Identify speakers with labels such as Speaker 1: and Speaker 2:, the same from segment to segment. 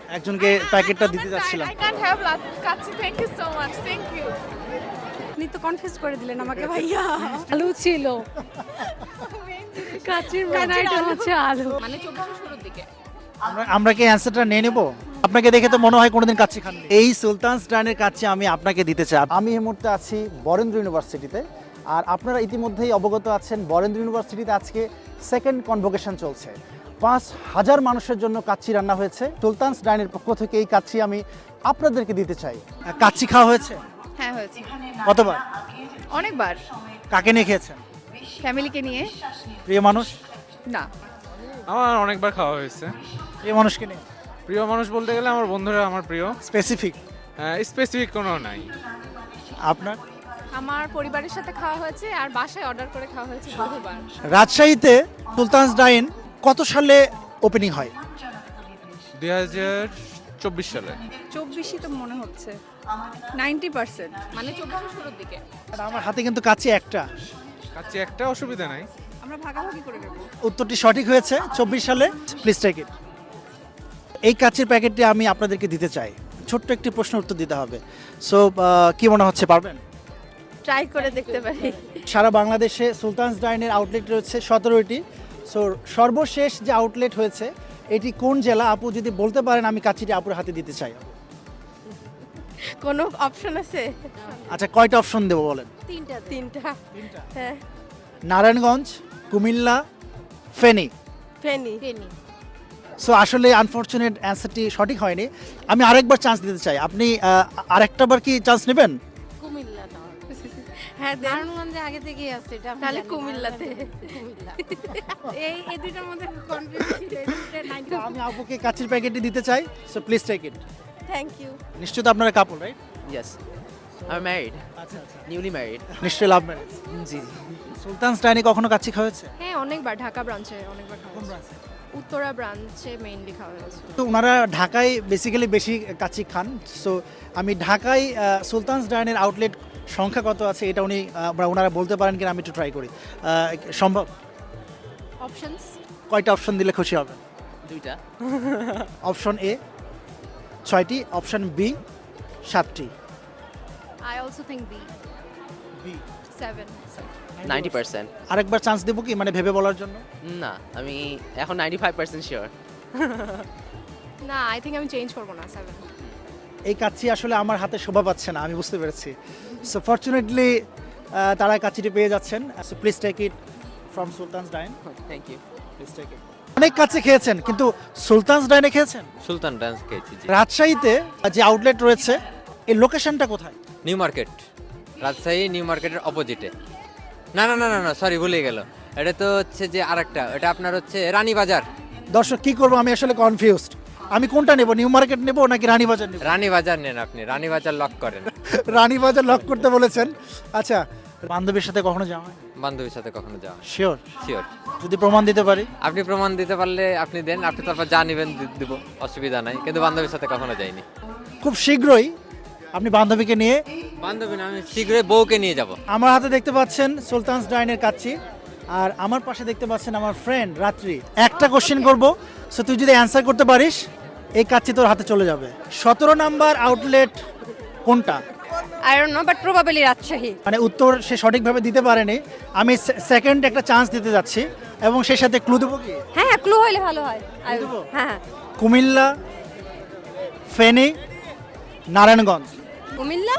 Speaker 1: একজনকে প্যাকেটটা দিতে যাচ্ছিলাম।
Speaker 2: I can't have kacchi, thank you so much, thank you.
Speaker 3: আপনি তো কনফিউজ করে দিলেন আমাকে ভাইয়া। আলু ছিল, কাচির মেন আইটেম হচ্ছে আলু।
Speaker 2: মানে 24 শুরুর দিকে।
Speaker 1: আমরা কি অ্যান্সারটা নিয়ে নেব? আপনাকে দেখে তো মনে হয় কোনোদিন কাচ্চি খাননি। এই সুলতানস ডাইনের কাচ্চি আমি আপনাকে দিতে চাই। আমি এই মুহূর্তে আছি বরেন্দ্র ইউনিভার্সিটিতে, আর আপনারা ইতিমধ্যেই অবগত আছেন বরেন্দ্র ইউনিভার্সিটিতে আজকে সেকেন্ড কনভোকেশন চলছে। 5,000 মানুষের জন্য কাচ্চি রান্না হয়েছে। সুলতানস ডাইনের পক্ষ থেকে এই কাচ্চি আমি আপনাদেরকে দিতে চাই। কাচ্চি খাওয়া হয়েছে
Speaker 2: হ্যাঁ হয়েছে,
Speaker 1: কতবার?
Speaker 2: অনেকবার।
Speaker 1: কাকে নিয়ে খেয়েছেন?
Speaker 2: ফ্যামিলিকে নিয়ে?
Speaker 1: প্রিয় মানুষ?
Speaker 2: না।
Speaker 4: আমার অনেকবার খাওয়া হয়েছে।
Speaker 1: প্রিয় মানুষকে নিয়ে?
Speaker 4: প্রিয় মানুষ বলতে গেলে আমার বন্ধুরা আমার প্রিয়।
Speaker 1: স্পেসিফিক?
Speaker 4: স্পেসিফিক কোনো নাই।
Speaker 1: আপনার?
Speaker 2: আমার পরিবারের সাথে খাওয়া হয়েছে আর বাসায় অর্ডার করে খাওয়া হয়েছে বহুবার।
Speaker 1: রাজশাহীতে সুলতানস ডাইন কত সালে ওপেনিং হয়?
Speaker 4: 2024 সালে।
Speaker 3: 24ই তো মনে হচ্ছে 90%।
Speaker 2: মানে 24 শুরুর দিকে।
Speaker 1: আর আমার হাতে কিন্তু কাচ্চি একটা।
Speaker 4: কাচ্চি একটা অসুবিধা নাই।
Speaker 3: আমরা ভাগাভাগি করে নেব।
Speaker 1: উত্তরটি সঠিক হয়েছে। 24 সালে। Please take it. এই কাচ্চির প্যাকেটটি আমি আপনাদেরকে দিতে চাই। ছোট্ট একটি প্রশ্ন উত্তর দিতে হবে। সো কি মনে হচ্ছে, পারবেন?
Speaker 3: ট্রাই করে দেখতে পারি।
Speaker 1: সারা বাংলাদেশে সুলতানস ডাইনের আউটলেট রয়েছে 17টি। সো সর্বশেষ যে আউটলেট হয়েছে এটি কোন জেলা? আপু যদি বলতে পারেন আমি কাচ্চিটি আপুর হাতে দিতে চাই।
Speaker 3: কোনো অপশন আছে?
Speaker 1: আচ্ছা, কয়টা অপশন দেবো বলেন?
Speaker 3: তিনটা। হ্যাঁ,
Speaker 1: নারায়ণগঞ্জ, কুমিল্লা, ফেনী।
Speaker 3: ফেনী।
Speaker 1: সো আসলে আনফরচুনেট অ্যান্সারটি সঠিক হয়নি। আমি আরেকবার চান্স দিতে চাই। আপনি আরেকটাবার কি চান্স নেবেন?
Speaker 3: কুমিল্লা দাও। হ্যাঁ, নারায়ণগঞ্জে আগে থেকেই আছে এটা। তাহলে কুমিল্লাতে। এই দুইটার মধ্যে কনফিউজ ছিল।
Speaker 1: আমি আপুকে কাচ্চির প্যাকেটটি দিতে চাই। So please take it.
Speaker 3: Thank you.
Speaker 1: নিশ্চয়ই তো আপনারা কাপল, রাইট?
Speaker 5: Yes, I'm married,
Speaker 1: আচ্ছা আচ্ছা,
Speaker 5: newly married.
Speaker 1: নিশ্চয়ই লাভ ম্যারেজ।
Speaker 5: জি
Speaker 1: সুলতানস ডাইনে কখনো কাচ্চি খাওয়াছে?
Speaker 2: হ্যাঁ অনেকবার, ঢাকা ব্রাঞ্চে অনেকবার খাওয়া হয়েছে। উত্তরা ব্রাঞ্চে মেইনলি খাওয়া হয়েছে।
Speaker 1: তো ওনারা ঢাকায় বেসিক্যালি বেশি কাচ্চি খান। সো আমি ঢাকায় সুলতানস ডাইনের আউটলেট সংখ্যা কত আছে এটা ওনারা বলতে পারেন কিনা আমি একটু ট্রাই করি। সম্ভব?
Speaker 2: অপশনস?
Speaker 1: কয়টা অপশন দিলে খুশি হবে?
Speaker 5: দুইটা।
Speaker 1: অপশন এ 6টি, অপশন বি 7টি।
Speaker 2: I also think B.
Speaker 1: B
Speaker 2: 7।
Speaker 5: 90%.
Speaker 1: আরেকবার চান্স দেবো কি, মানে ভেবে বলার জন্য?
Speaker 5: না, আমি এখন 95% শিওর।
Speaker 2: না, আই থিংক আমি চেঞ্জ করব না, 7।
Speaker 1: এই কাচ্চি আসলে আমার হাতে শোভা পাচ্ছে না, আমি বুঝতে পেরেছি। সো ফরচুনেটলি তারা কাচ্চিটি পেয়ে যাচ্ছেন। So please take it from Sultan's Dine.
Speaker 5: Thank you.
Speaker 1: Please take it. অনেক কাচ্চি খেয়েছেন কিন্তু সুলতানস ডাইনে খেয়েছেন?
Speaker 6: সুলতান ডান্স খেয়েছি জি।
Speaker 1: রাজশাহীতে যে আউটলেট রয়েছে এই লোকেশনটা কোথায়?
Speaker 6: নিউ মার্কেট, রাজশাহী নিউ মার্কেটের অপোজিটে। না না না না না সরি, ভুলে গেল। এটা তো হচ্ছে যে আরেকটা, এটা আপনার হচ্ছে রানীবাজার।
Speaker 1: দর্শক কি করবো, আমি আসলে কনফিউজড। আমি কোনটা নেব, নিউ মার্কেট নেব নাকি রানীবাজার নেব?
Speaker 6: রানীবাজার নেন আপনি, রানীবাজার লক করেন।
Speaker 1: রানীবাজার লক করতে বলেছেন। আচ্ছা, বান্ধবীর সাথে কখনো যাওয়া হয়?
Speaker 6: বান্ধবীর সাথে কখনো যাওয়া হয়?
Speaker 1: শিওর?
Speaker 6: শিওর।
Speaker 1: যদি প্রমাণ দিতে পারি?
Speaker 6: আপনি প্রমাণ দিতে পারলে আপনি দেন, আপনি তারপর যা নেবেন দিব, অসুবিধা নাই। কিন্তু বান্ধবীর সাথে কখনো যাইনি।
Speaker 1: খুব শীঘ্রই আপনি বান্ধবীকে নিয়ে?
Speaker 6: বান্ধবী না, আমি শীঘ্রই বউকে নিয়ে যাব।
Speaker 1: আমার হাতে দেখতে পাচ্ছেন সুলতানস ডাইনের কাচ্চি, আর আমার পাশে দেখতে পাচ্ছেন আমার ফ্রেন্ড রাত্রি। একটা কোশ্চেন করব, সো তুই যদি অ্যান্সার করতে পারিস এই কাচ্চি তোর হাতে চলে যাবে। 17 নাম্বার আউটলেট কোনটা?
Speaker 3: I don't know but probably Rajshahi.
Speaker 1: মানে উত্তর সে সঠিকভাবে দিতে পারেনি। আমি সেকেন্ড একটা চান্স দিতে যাচ্ছি এবং সেই সাথে ক্লু দেবো কি?
Speaker 3: হ্যাঁ, ক্লু হইলে ভালো হয়।
Speaker 1: দেবো?
Speaker 3: হ্যাঁ,
Speaker 1: Comilla, Feni, Narayanganj.
Speaker 3: Comilla.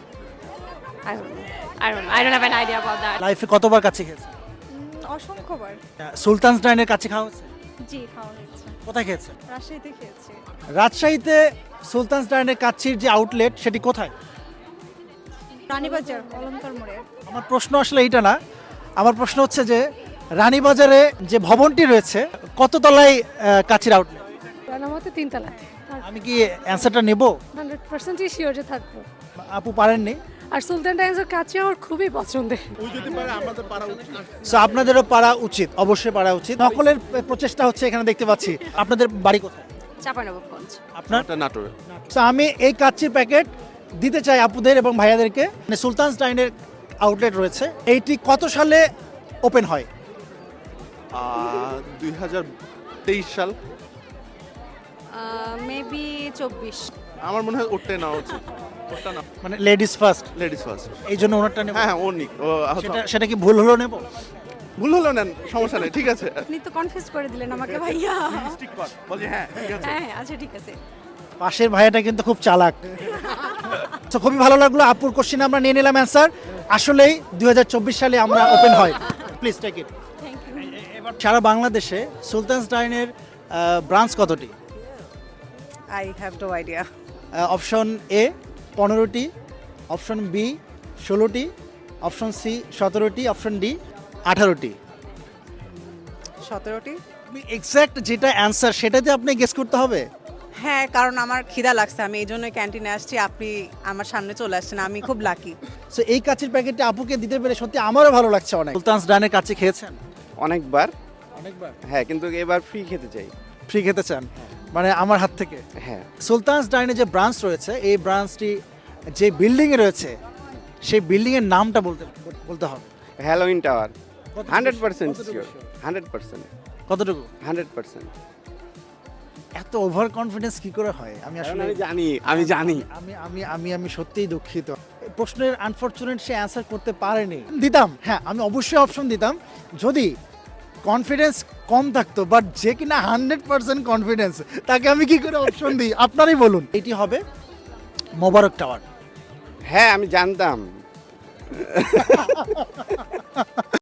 Speaker 3: I don't have an idea about that.
Speaker 1: লাইফে কতবার কাচ্চি খেয়েছে?
Speaker 3: অসংখ্যবার।
Speaker 1: সুলতানস ডাইনের কাচ্চি খাওয়া হচ্ছে?
Speaker 3: জি, খাওয়া হয়েছে।
Speaker 1: কোথায় খেয়েছে?
Speaker 3: রাজশাহীতে খেয়েছি।
Speaker 1: রাজশাহীতে সুলতানস ডাইনের কাচ্চির যে আউটলেট সেটি কোথায়?
Speaker 3: রানীবাজার অলঙ্কার মোড়ে।
Speaker 1: আমার প্রশ্ন আসলে এইটা না, আমার প্রশ্ন হচ্ছে যে রানীবাজারে যে ভবনটি রয়েছে কত তলায় কাচ্চির আউটলেট?
Speaker 3: আমার মতে 3 তলা।
Speaker 1: আমি কি অ্যান্সারটা নেব?
Speaker 3: 100% শিওর যে থাকবো।
Speaker 1: আপু পারেননি?
Speaker 3: আর সুলতান ডাইন্সের কাছে আমার খুবই পছন্দের।
Speaker 1: সো আপনাদেরও পারা উচিত, অবশ্যই পারা উচিত। নকলের প্রচেষ্টা হচ্ছে এখানে দেখতে পাচ্ছি। আপনাদের বাড়ি কোথায়?
Speaker 3: চাঁপাইনবাবগঞ্জ।
Speaker 1: আপনার?
Speaker 7: নাটোরে।
Speaker 1: সো আমি এই কাচ্চির প্যাকেট দিতে চাই আপুদের এবং ভাইয়াদেরকে। মানে সুলতানস ডাইনের আউটলেট রয়েছে, এইটি কত সালে ওপেন হয়?
Speaker 7: 2023 সাল।
Speaker 3: মেবি 24।
Speaker 7: আমার মনে হয় ওরটাই নেওয়া উচিত। ওরটা না,
Speaker 1: মানে লেডিস ফার্স্ট,
Speaker 7: লেডিস ফার্স্ট।
Speaker 1: এই জন্য ওনারটা নেব।
Speaker 7: হ্যাঁ, ও নিক। ও
Speaker 1: সেটা কি ভুল হলো নেব?
Speaker 7: ভুল হলো, নেন, সমস্যা নেই, ঠিক আছে।
Speaker 3: আপনি তো কনফিউজ করে দিলেন আমাকে ভাইয়া।
Speaker 7: স্টিক কর, বলছি হ্যাঁ, ঠিক আছে।
Speaker 3: হ্যাঁ আচ্ছা ঠিক আছে।
Speaker 1: পাশের ভাইয়াটা কিন্তু খুব চালাক। তো খুবই ভালো লাগলো, আপুর কোশ্চেন আমরা নিয়ে নিলাম অ্যান্সার। আসলেই 2024 সালে আমরা ওপেন হয়। Please take it.
Speaker 3: Thank you.
Speaker 1: সারা বাংলাদেশে সুলতানস ডাইনের ব্রাঞ্চ কতটি?
Speaker 8: I have no idea.
Speaker 1: Option A 15টি, অপশন বি 16টি, অপশন সি 17টি, অপশন ডি 18টি।
Speaker 8: 17টি?
Speaker 1: তুমি এক্স্যাক্ট যেটা অ্যান্সার সেটাতে আপনি গেস করতে হবে।
Speaker 8: হ্যাঁ, কারণ আমার খিদা লাগছে, আমি এই জন্য ক্যান্টিনে আসছি, আপনি আমার সামনে চলে আসছেন, আমি খুব লাকি।
Speaker 1: সো এই কাচের প্যাকেটটা আপুকে দিতে পেরে সত্যি আমারও ভালো লাগছে অনেক। সুলতানস ডাইনের কাছে খেয়েছেন?
Speaker 9: অনেকবার।
Speaker 1: অনেকবার।
Speaker 9: হ্যাঁ, কিন্তু এবার ফ্রি খেতে চাই।
Speaker 1: ফ্রি খেতে চান মানে আমার হাত থেকে?
Speaker 9: হ্যাঁ।
Speaker 1: সুলতানস ডাইনে যে ব্রাঞ্চ রয়েছে, এই ব্রাঞ্চটি যে বিল্ডিংয়ে রয়েছে সেই বিল্ডিংয়ের নামটা বলতে হবে।
Speaker 9: Halloween Tower.
Speaker 1: কতটুকু
Speaker 9: 100%
Speaker 1: কতটুকু
Speaker 9: শিওর।
Speaker 1: sure?
Speaker 9: 100%।
Speaker 1: কতটুকু?
Speaker 9: 100%।
Speaker 1: এত ওভার কনফিডেন্স কি করে হয়? আমি আসলে
Speaker 9: আমি জানি।
Speaker 1: আমি আমি আমি আমি সত্যিই দুঃখিত। এই প্রশ্নের আনফরচুনেট সে অ্যান্সার করতে পারেনি। দিতাম, হ্যাঁ আমি অবশ্যই অপশন দিতাম যদি কনফিডেন্স কম থাকতো, বাট যে কিনা 100% কনফিডেন্স, তাকে আমি কি করে অপশন দিই? আপনারই বলুন। এটি হবে মোবারক টাওয়ার।
Speaker 9: হ্যাঁ, আমি জানতাম।